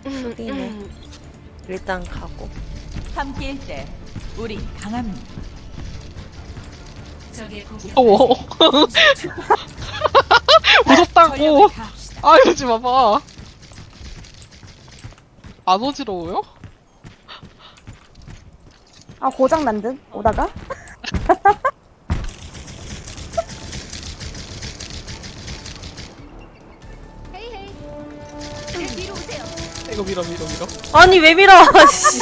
수비네. 일단 가고. 함께일 때 우리 강합니다. 무서워. 무섭다고. 전력을 다합시다. 아 이러지 마봐. 안 어지러워요? 아 고장 난 듯 오다가. 이거 밀어. 아니 왜 밀어? 씨.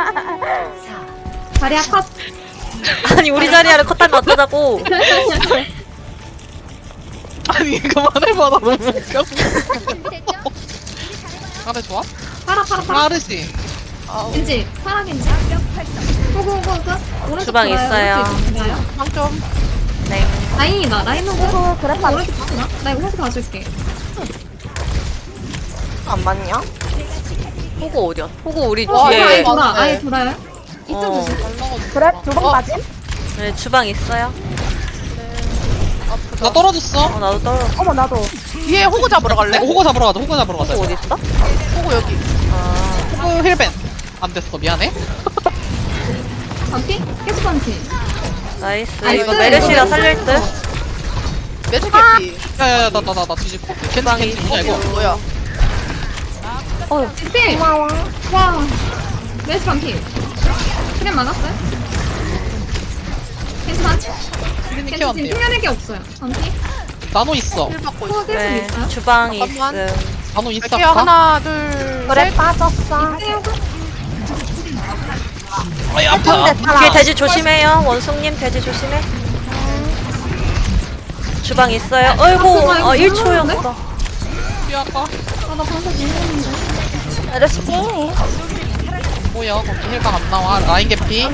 자리야 컷. 아니 우리 자리를 컷하면 어쩌자고. 아니 그만해봐 나 너무 웃겨. 가래 좋아? 파라. 빠르지. 겐지 파라 겐지. 호구. 오른쪽 주방 돌아요, 있어요. 오른쪽 돌아요. 빵점. 네. 라인이다. 라인 호구. 어 그래 빠. 오른쪽 봤나? 나 이거 호구 봐줄게. 안 맞냐? 호구 어디야? 호구 우리 와, 뒤에. 아예 돌아. 맞네. 아예 돌아요. 이쪽 어. 조심. 그래 두 번 맞임? 네, 주방 있어요. 나 떨어졌어. 나도 떨어. 어머 나도. 뒤에 호구 잡으러 갈래? 호구 잡으러 가자. 호구 잡으러 가자. 호구 어디 있어? 호구 여기. 아, 호구 힐벤. 안 됐어. 미안해. 반피? 계속 반피. 나이스. 나이스. 이거 메르시가 살릴 듯. 매주 개피. 야야야 나 뒤집어. 캔디 뭐냐 이거. 뭐야? 피. 고마워. 와. 메스 반피. 그냥 막았어요? 겐지 반피? 캔디 겐지 키웠네요. 지금 튕겨낼 게 없어요. 반피? 나노 있어. 힐 받고 호구 있어. 계속 네, 있어요? 주방이 잠깐만. 있음. 나노 있어. 갈게요. 하나, 둘, 그래 셋. 빠졌어. 아이 아파. 뒤에 돼지 조심해요. 원숭님 돼지 조심해. 주방 있어요. 어이구, 아, 이거 1초였어. 뒤 아파. 아나 방금 밀렸는데. 메르시 뭐야 거기 힐방 안 나와. 라인 개피.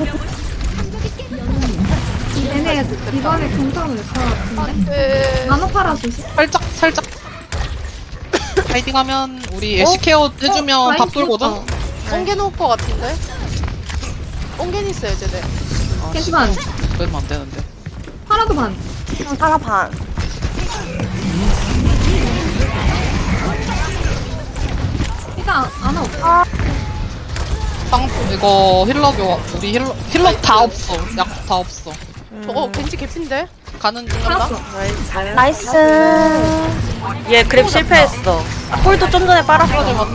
얘네 이번에 공성을 낼것 같은데? 네. 나노 파라 조심. 살짝. 파이팅 하면 우리 애쉬 케어 해주면 라인 밥 돌거든. 죽었다. 옹겐 올 것 같은데? 옹겐 있어요, 쟤네. 겐지 반. 그러면 안 되는데. 파라도 반. 하나 반. 일단 아나 없어. 빵 이거 힐러 교 우리 힐러 다 없어. 약 다 없어. 저거 겐지 개피인데? 가는 중. 팔았어. 나이스. 나이스. 얘 그랩 실패했어. 홀도 좀 전에 빨았어.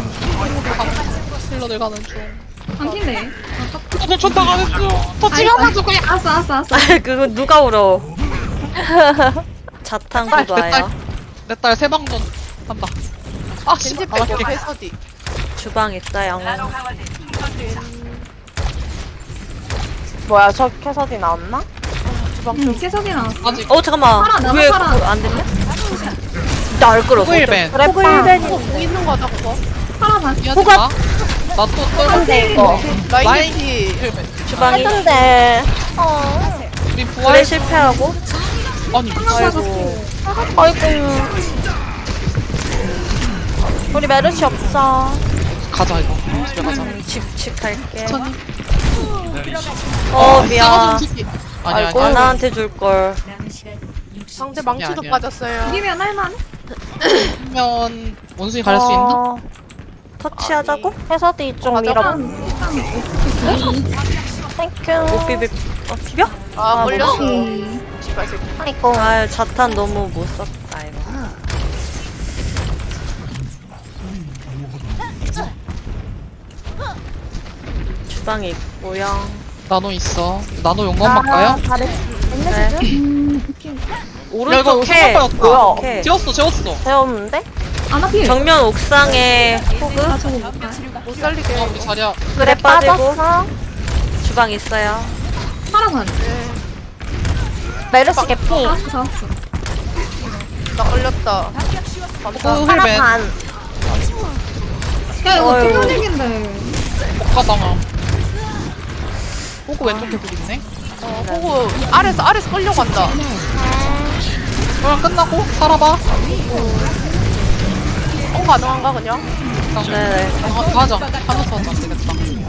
힐러들 가는 중. 반피네. 저 쫓다 가는 중. 더 찍어가지고 그냥. 알았어. 아, 그거 누가 울어? 자탄 구도예요. 내 딸 세방전 한다. 아 씨. 겐지 아, 빼고 해서디. 주방 있어요. 뭐야 저 캐서디 나왔나? 응, 계속이 나왔어. 아직 잠깐만. 팔아, 나도 왜 팔아. 그거 안 됐냐? 나 끌어서. 호일벤. 그래 호구 빠. 일벤이. 공 있는 거다, 그거. 파라 반. 미안해 마. 나또 떨어. 근데 이거 라인 라인 개피. 힐벤. 주방이. 했는데. 우리 그래 부활. 실패하고. 아니 아이고. 아이고. 우리 메르시 없어. 가자 이거. 집에 가자. 집 갈게. 천천히. 미안. 아니야 아이고, 아니야. 나한테 줄 걸. 상대 망치도 아니야. 빠졌어요. 이기면 할만. 그러면 원숭이 갈 수 있나? 터치하자고? 캐서디 좀 밀어. 땡큐. 못 비비. 비벼? 아, 걸렸어. 음. 씨발, 새끼. 아이고. 아, 자탄 너무 못 썼다 이거. 주방에 있고요. 나노 있어. 나노 용감 바꿔요? 잘했어. 네. 오케이. 오른쪽 이거 캐. 생각보다 뭐야? 오케이. 재웠어. 배웠는데? 아나 필. 정면 옥상에 호그. 나 저거 못 봐. 못 살리게. 우리 자리야. 그래 빠지고. 빠졌어. 주방 있어요. 파라 반. 메르시 개피. 잡았어. 나 걸렸다. 호구 하나 힐벤. 반. 야 이거 어이구. 튕겨내긴데. 복가당함. 호구 왼쪽 개구 있네. 호구 아래서 끌려간다. 그럼 끝나고 살아봐. 가능한가, 그냥? 네네. 가자. 하면서 하자. 안 되겠다.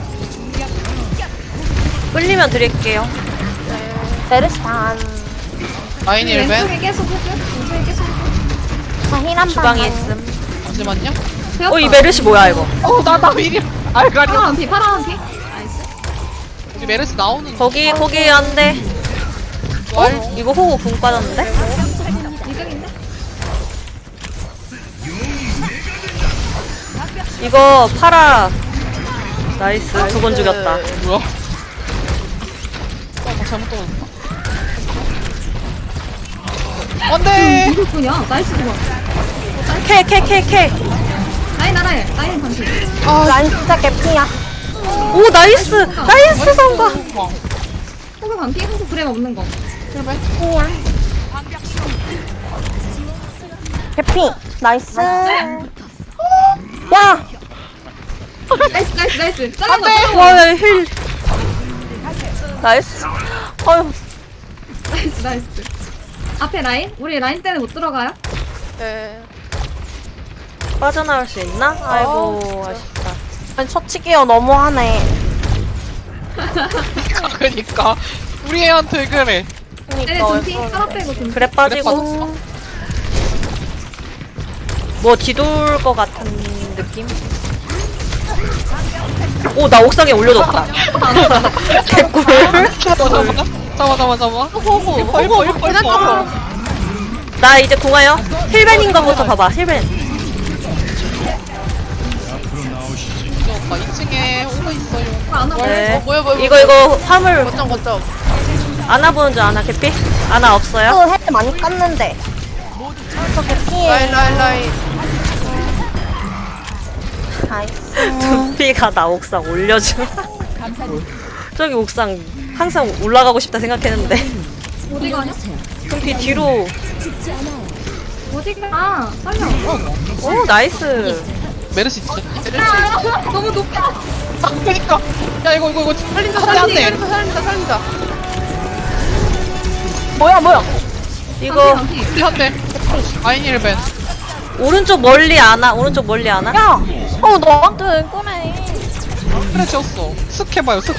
끌리면 드릴게요. 메르시 반. 라인 힐벤. 왼쪽에 계속 호그. 왼쪽에 계속 호그. 자힐 한 반. 주방에 있음. 잠시만요. 이 메르시 뭐야 이거? 나 미리 알가리. 파란 피 파란 피. 우리 메르스 나오는. 거기 안돼. 이거 호구 궁 빠졌는데? 이득인데? 이거 파라. 나이스 두 번 죽였다. 뭐야? 잘못 떨어졌나? 안돼. 이거군요. 나이스 좋아. 캐. 라인 반피. 라인 진짜 개피야. 오 나이스 성과. 호그 반피 호그 브레 없는 거. 개피. 나이스. 야! 나이스. 잘라 거. 와 힐. 나이스. 어휴 나이스. 앞에 라인? 우리 라인 때문에 못 들어가요? 네. 빠져나올 수 있나? 아이고 아쉽다. 아니, 처치기어 너무하네. 그러니까 우리 애한테 그래. 얘네 둔피 하나 빼고 둔피. 그래 빠지고. 뭐 뒤돌 것 같은 느낌? 오 나 옥상에 올려줬다. 개꿀. 잡아. 호구. 나 이제 공하여 힐벤인 거부터 봐봐. 힐벤. 오빠 2층에 호구 있어요. 안 하고. 네. 뭐야. 이거 화물 거점. 아나 보는 줄 아나 개피? 아나 없어요? 또 헬 많이 깠는데. 저 개피해. 라인. 나이스. 두피가 나 옥상 올려줘. 저기 옥상 항상 올라가고 싶다 생각했는데 어디 가냐? 두피 뒤로. 어디 가? 빨리 와. 오 나이스. 메르스 있지. 너무 높아. 그러니까. 야 이거 살린다. 살린다. 뭐야. 이거 우리 한대. 아인 1벤. 오른쪽 멀리 아나. 오른쪽 멀리 아나. 야! 너한테 왜 꺼내? 그래 지웠어. 슥 해봐요. 슥.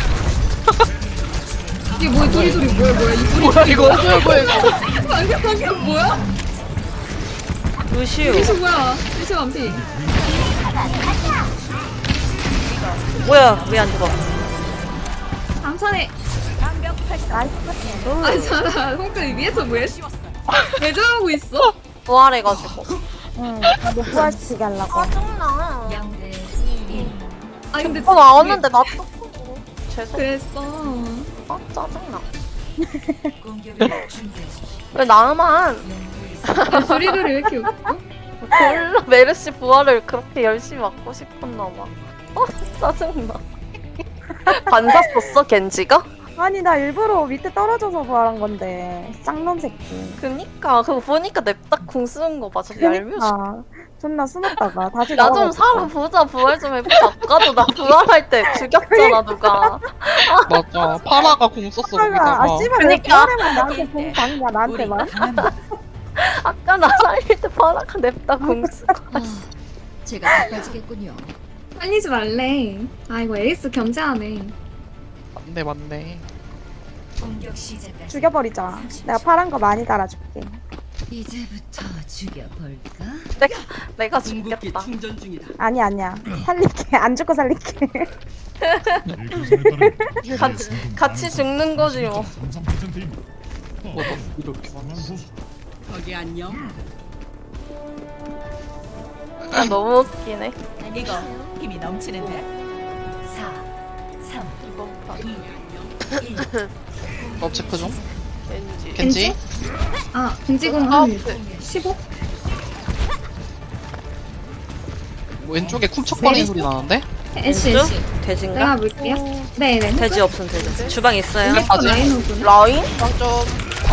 이게 뭐야? 둘이 뭐야? 이 둘이 뭐야 이거? 방금 뭐야? 루시우. 루시 뭐야? 루시 반피. 뭐야 왜 안 죽어? 암산해. 아니 자라 홍대 위에서 뭐해? 왜 저러고 있어? 부활해가지고. 응. 못 부활치게 하려고. 짜증나. 아 근데 나왔는데 나 또. 죄송. 그랬어. 짜증나. 왜 나만? 둘이 왜 이렇게 웃겨? 몰라. 메르시 부활을 그렇게 열심히 막고 싶었나 봐. 짜증나. 반사 썼어 겐지가? 아니 나 일부러 밑에 떨어져서 부활한 건데 쌍놈 새끼. 그니까 그거 보니까 냅다 궁 쓰는 거 맞아. 얄미워. 아 존나 숨었다가 다시 나 좀 나가고 살아보자. 부활 좀 해보자. 아까도 나 부활할 때 죽였잖아 누가. 맞아. 파라가 공 썼어 거기다가. 아 씨발 왜 그니까. 부활하면 나한테 공 당이야 나한테만. 아까 나 살릴 때 바라가 냅다 궁 쓰고. 제가 바빠지겠군요. 살리지 말래. 아 이거 에이스 견제하네. 맞네. 공격 시작까지 죽여버리자. 내가 파란 거 많이 달아줄게. 이제부터 죽여볼까? 내가 죽겠다. 아니야. 살릴게. 안 죽고 살릴게. 같이 죽는 거지 뭐. 이렇게 아, 너무 웃기네. 이거 힘이 넘치는데. 4, 3, 2, 1. 업체크 좀. 겐지. 겐지. 아 금지공 한 15? 왼쪽에 쿵척거리는 소리 나는데? 애쉬 왼쪽? 내가 돼지인가? 볼게요. 네네. 돼지 없음 돼지. 주방 있어요. 맞아. 라인 오구나. 라인? 좀.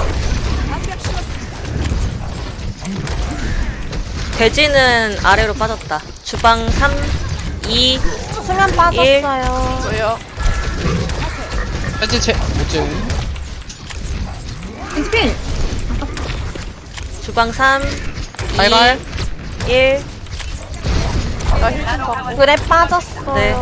돼지는 아래로 빠졌다. 주방 3, 2, 수면 빠졌어요. 뭐예요? 겐지 뭐지? 엔스필. 주방 3, 2, 갈갈. 1. 그래 빠졌어요. 네.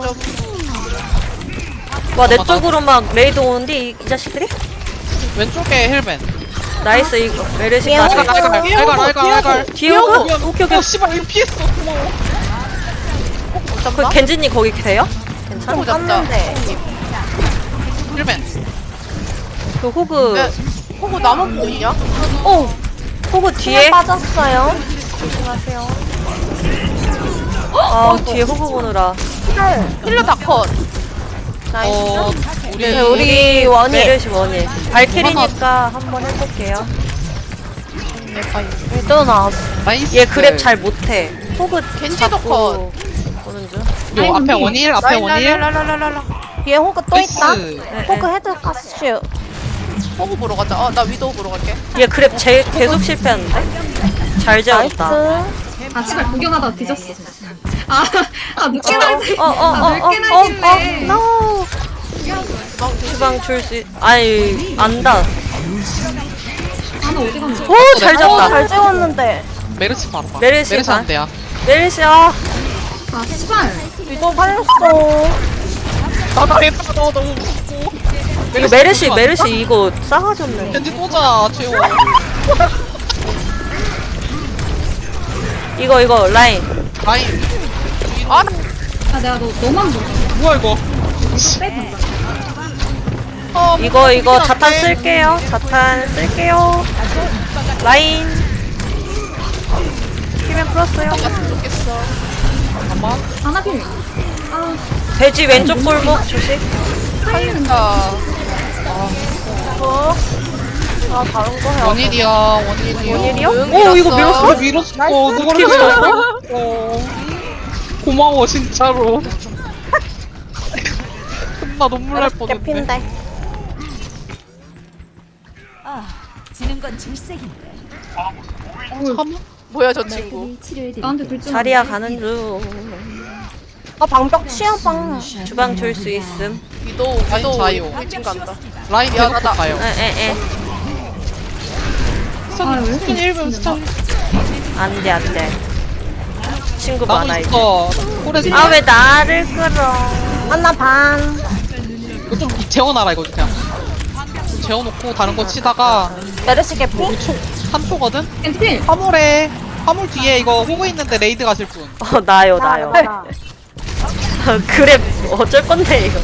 좀. 와 내 쪽으로 막 레이드 오는데 이 자식들이? 왼쪽에 힐벤. 나이스 이거 메르시 미안해. 가지고. 알갈. 디오고? 오케이 오케이. 씨발 이거 피했어. 고마워. 잡나? 겐지님 거기 계세요? 괜찮아? 호구 잡자. 힐맨. 그 호그 네. 호구 나만 보이냐? 오! 호그 뒤에 빠졌어요. 조심하세요. 아 뒤에 호그 보느라 힐러 다 컷. 어, 네, 우리 원이. 메르시 원이 발키리니까 한번 해볼게요. 또 나왔어. 나이스. 얘 그랩 잘 못해. 호그 겐지도 잡고 오는 중. 요 앞에 원일, 앞에 원일. 랄랄랄랄랄라. 뒤에 호그 또 있다. 나이스. 호그 헤드 가스슈. 호구 보러 가자. 나 위도우 보러 갈게. 얘 그랩 계속 실패했는데? 잘 재웠다. 나이스. 아 씨발 구경하다가 뒤졌어. 아 늦게 날지. 늦게 어, 날길래. no. 주방 줄 수, 아이, 안다. 아나 어디 갔나? 오, 잘 오, 잡다. 잘 찍었는데. 메르시 바로 봐. 메르시 메르시 봐. 안 돼야. 메르시야. 아 씨발. 위도 살렸어. 나 당했다. 너 너무 무섭고. 이거 메르시 이거 싸가지 없네. 겐지 또자, 재워. 이거, 라인. 라인. 아, 아 내가 너만 보고. 뭐야, 이거. 빼 이거 자탄 쓸게요. 자탄 쓸게요. 라인. 키면 풀었어요. 잠깐만. 하나 필. 아 돼지 왼쪽 골목 조심. 살린다. 아, 다른 거 해야 원일이야, 원일이야. 원일이요? 응, 오, 이거 밀었어. 밀었어? 밀었어. 누구를 밀었어? 고마워, 진짜로. 나 눈물 날 뻔했네. 개핀데. 지는 건 질색인데. 참. 뭐야 저 친구. 나한테 둘 줄. 자리야 가는 중. 아, 방벽 치어방. 주방 줄 수 있음. 위도우 자요. 일진 간다. 라인 계속 미안하다. 가요. 에에에. 아 왜? 스턴 1분 스턴. 안돼. 친구 나무 많아 이제. 있어. 꼬레지. 아 왜 나를 끌어? 하나 반. 이거 좀 재워놔라 이거 그냥. 좀 재워놓고 다른 거 치다가 메르시 개피. 3초거든? 겐지 필. 화물에 화물 뒤에 이거 호구 있는데 레이드 가실 분. 나요. 그래 어쩔 건데 이거.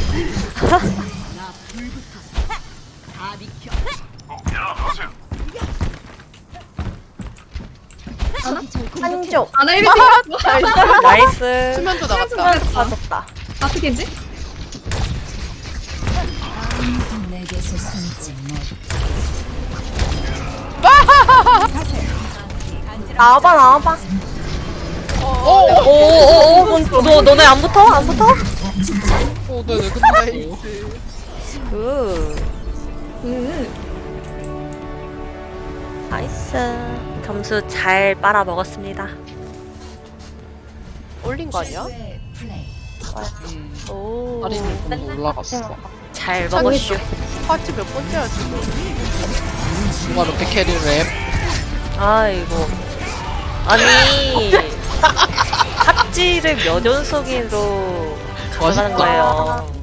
한쪽. 아나 1비 필. 나이스. 수면도 나갔다. 빠졌다. 아트 겐지? 내게서 숨지 못. 나와봐. 오오오오. 너네 안 붙어? 안 붙어? 네네 끝났어요. 나이스. 점수 잘 빨아 먹었습니다. 올린 거 아니야? 플레이. 오. 할인이 너무 올라갔어. 잘 먹었슈. 파츠 몇 번째야 지금? 누가 이렇게 캐리를 해? 아이고. 아니 핫지를 몇 연속으로 가져가는 멋있다. 거예요.